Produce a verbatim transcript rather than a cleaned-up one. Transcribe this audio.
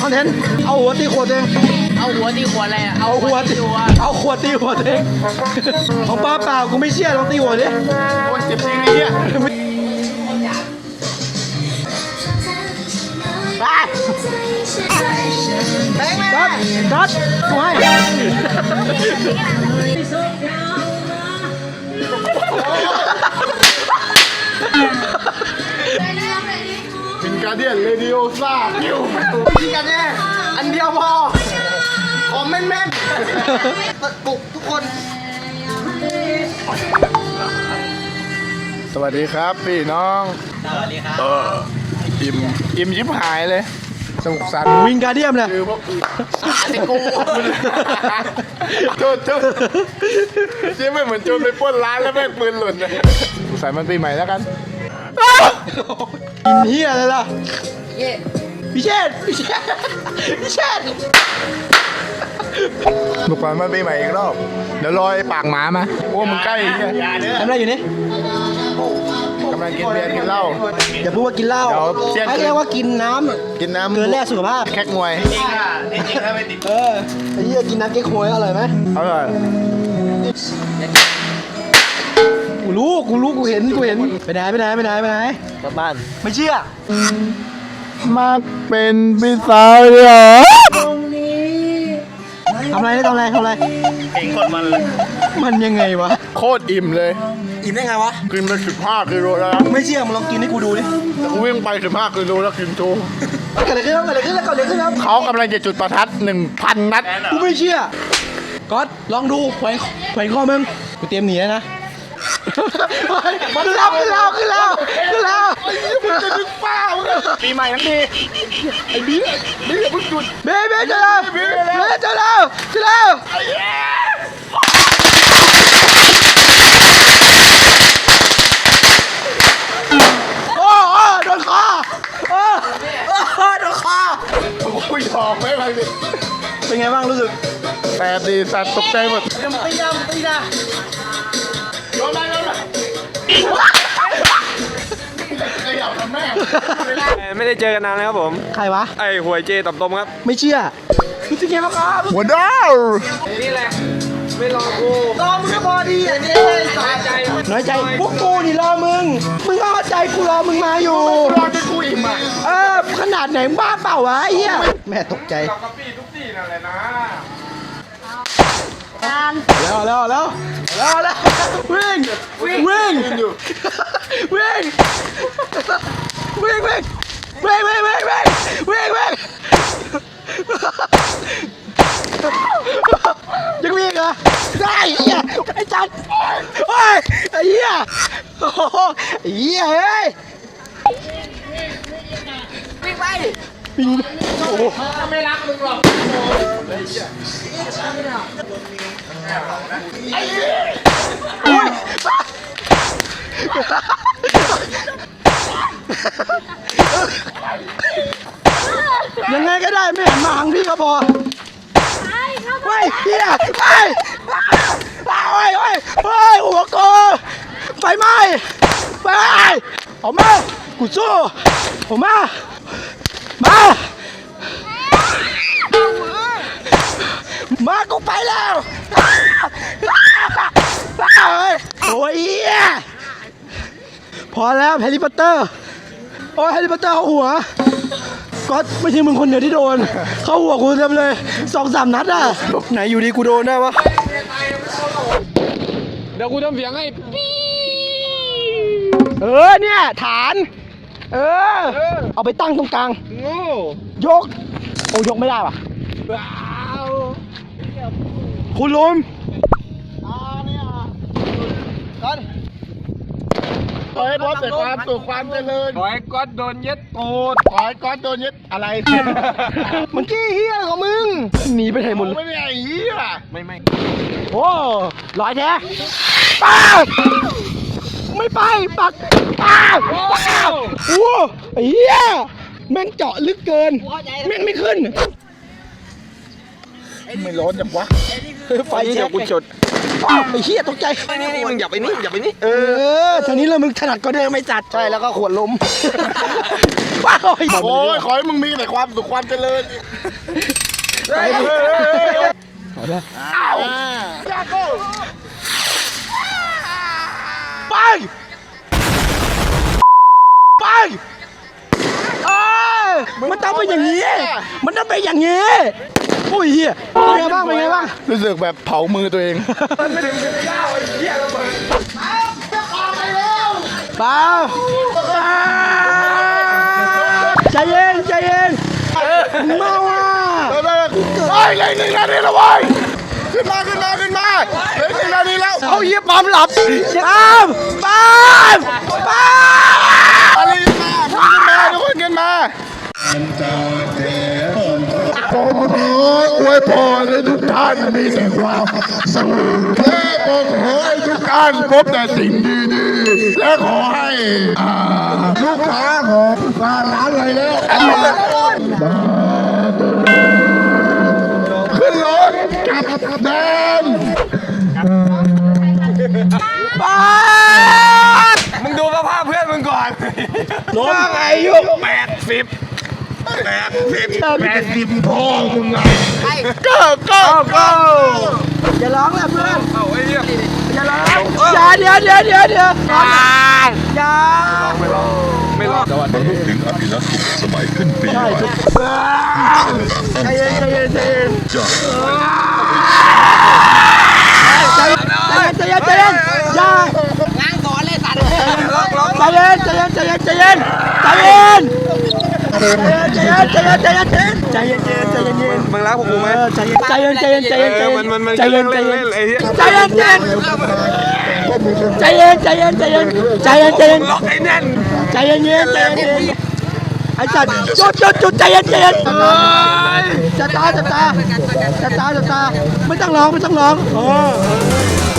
คอนเทนต์เอาหัวตีขวดเองเอาหัวตีขวดอะไรอะเอาเอาหัวตีเอาขวดตีหัวเองของป้าเปล่ากูไม่เชื่อลองตีหัวดิโอ้ยเจ็บจริงไอ้เหี้ยกัดกัดกูให้วินการเดียนเรดิโอซ่าพิวยิงกันแน่อันเดียวพอขอแม่นแม่นปลุกทุกคนสวัสดีครับพี่น้องสวัสดีครับเอออิ่มอิ่มยิบหายเลยสนุกสนานวิงการเดียมเนี่ยคือพวกไอ้กูโทษโทษเจ๊ไม่เหมือนโจรไปปล้นร้านแล้วแม่งปืนหล่นเลยใส่มันปีใหม่แล้วกันกินเฮียอะไรล่ะพี่เชษพี่เชษพี่เชษลูกบอลมันปีใหม่อีกรอบเดี๋ยวรอไอ้ปากหมามาโอ้มึงใกล้เนี่ยทำอะไรอยู่นี่กำลังกินเบียร์กินเหล้าอย่าพูดว่ากินเหล้าเดี๋ยวเที่ยงคืนให้เรียกว่ากินน้ำกินน้ำเกินแร่สุขภาพแคกงวยเออไอ้เหี้ยกินน้ำเก๊กฮวยอร่อยไหมอร่อยกูรู้กูรู้กูเห็นกูเห็นไปไหนไปไหนไปไหนไปไหนกลับบ้านไม่เชื่อมักเป็นพี่สาวเหรอทำอะไรทำอะไรทำอะไรเพลงคนมันเลยมันยังไงวะโคตรอิ่มเลยอิ่มได้ไงวะกินไปสิบห้ากิโลแล้วไม่เชื่อมึงลองกินให้กูดูดิแต่กูวิ่งไปสิบห้ากิโลแล้วกินโชว์เกิดอะไรขึ้นครับเกิดอะไรขึ้นแล้วเกิดอะไรขึ้นครับเขากำลังจะจุดประทัดหนึ่งพันนัดกูไม่เชื่อก๊อตลองดูแขวนแขวนคอมึงกูเตรียมหนีแล้วนะขึ้นแล้วขึ้นแล้วขึ้นแล้วขึ้นแล้วจะดึกป้าปีใหม่ทั้งทีไอ้บิ๊กบิ๊กอย่าเพิ่งจุดเบ๊เบ๊เจอแล้วเบ๊เจอแล้วเจอแล้วโอ้โอ้โดนคอโอ้โอ้โดนคอกูยอมไม่ไปดิเป็นไงบ้างรู้สึกแสบดีสัตว์ตกใจหมดยังตีนะตีนะโยนมาโยนมาขยับทำแม่ไม่ได้เจอกันนานแล้วครับผมใครวะไอ้หวยเจตับตมครับไม่เชื่อรู้สึกไงบ้างครับหัวดาวนี่แหละ ไม่รอกูรอมึงก็พอดีอ่ะนี่สายใจน้อยใจพวกกูนี่รอมึงมึงก็เข้าใจกูรอมึงมาอยู่รอจนกูอิ่มอ่ะเออขนาดไหนมึงบ้าเปล่าวะไอ้เหี้ยแม่ตกใจกับกะปี้ทุกที่นั่นแหละนะแล้วแล้วแล้วแล้วแล้ววิ่งวิ่งวิ่งวิ่งวิ่งวิ่งวิ่งวิ่งวิ่งวิ่งวิ่งวิ่งยังวิ่งเหรอได้ไอ้เหี้ยไอ้จัดโอ้ยไอ้เหี้ยโอ้โหไอ้เหี้ยเฮ้ยวิ่งไปวิ่งโอ้โหไม่รักมึงหรอกโอ้ยยังไงก็ได้ไม่หันมาหางพี่ก็พอเฮ้ยเฮียเฮ้ยเฮ้ยเฮ้ยเฮ้ยหัวโกไฟไหม้ไฟออกมากูสู้ออกมามามากูไปแล้วโอ้ยเฮียพอแล้วแฮร์รี่พอตเตอร์โอ้ยแฮร์รี่พอตเตอร์เขาหัวก็ไม่ใช่มึงคนเดียวที่โดน เข้าหัวกูเต็มเลยสองสามนัดอ่ะไหนอยู่ดีกูโดนได้วะเดี๋ยวกูทำเสียงให้เออเนี่ยฐาน เออ เอาไปตั้งตรงกลางโง่ยก โอ้ยกไม่ได้ว่ะคุณลุมขอให้พบแต่ความสุขความเจริญขอให้ก๊อตโดนเย็ดตูดขอให้ก้อนโดนยึดอะไรมันกี้เฮียของมึงหนีไปไหนหมดเลยไม่ได้ไอ้เหี้ยไม่ไม่โอ้ลอยแท้ป้าไม่ไปปักป้าป้าโอ้ไอ้เหี้ยแม่งเจาะลึกเกินแม่งไม่ขึ้นไม่ร้อนจังวะไฟนี่เช็เดี๋ยควกูจดอ้าวไอ้เหี้ยตกใจนี่นี่มึงอย่าไปนี่อย่าไปนี่เอเอออทางนี้เรามึงถนัดก็เดินไม่จัดใช่แล้วก็ขวดลมว้าวโอ้ยขอให้มึงมีแต่ความสุขความเจริญไปดิอ้าวจ้าโก้ไปไปเอ้ยมันต้องเป็นอย่างนี้ มันต้องเป็นอย่างนี้โอ้ยเหี้ยเป็นไงบ้างเป็นไงบ้างรู้สึกแบบเผามือตัวเองเปล่าใจเย็นใจเย็นเมาอ่ะเฮ้ยเลยหนึ่งนาทีแล้วเว้ยขึ้นมาขึ้นมาขึ้นมาเลยหนึ่งนาทีแล้วเอาเยี่ยปั๊มหลับปั๊มปั๊มปั๊มอะไรขึ้นมาขึ้นมาทุกคนขึ้นมาผมขออวยพรให้ทุกท่านมีแต่ความสุขและผมขอให้ทุกท่านพบแต่สิ่งดีๆและขอให้อ่าลูกค้าของร้านอะไรแล้วขึ้นรถกลับแดนปั๊มมึงดูสภาพเพื่อนมึงก่อนน้องอายุแปดสิบแปดสิบแปดสิบพ่อมึงไงก็ก็ก็อย่าร้องแหละเพื่อนเอาไอ้เหี้ยอย่าร้องอย่าเดี๋ยวเดี๋ยวเดี๋ยวเดี๋ยวอย่าไม่รอดถึงอภิรักษ์สุขสมัยขึ้นปีใหม่ใจเย็นใจเย็นใจเย็นจ้าใจเย็นใจเย็นใจเย็นอย่าง้างสอนเลยสัตว์ใจเย็นใจเย็นใจเย็นใจเย็นใจเย็นใจเย็นใจเย็นใจเย็นใจเย็นใจเย็นใจเย็นใจเย็นมึงรักพวกกูไหมใจเย็นใจเย็นใจเย็นใจเย็นเออมันมันมันใจเย็นใจเล่นเย็นเล่นไอ้เหี้ยใจเย็นใจเย็นใจเย็นใจเย็นใจเย็นใจเย็นใจเย็นล็อกไอ้แน่นใจเย็นเย็นใจเย็นไอ้จัดจุดจุดจุดใจเย็นใจเย็นจะตาจะตาจะตาจะตาไม่ต้องร้องไม่ต้องร้อง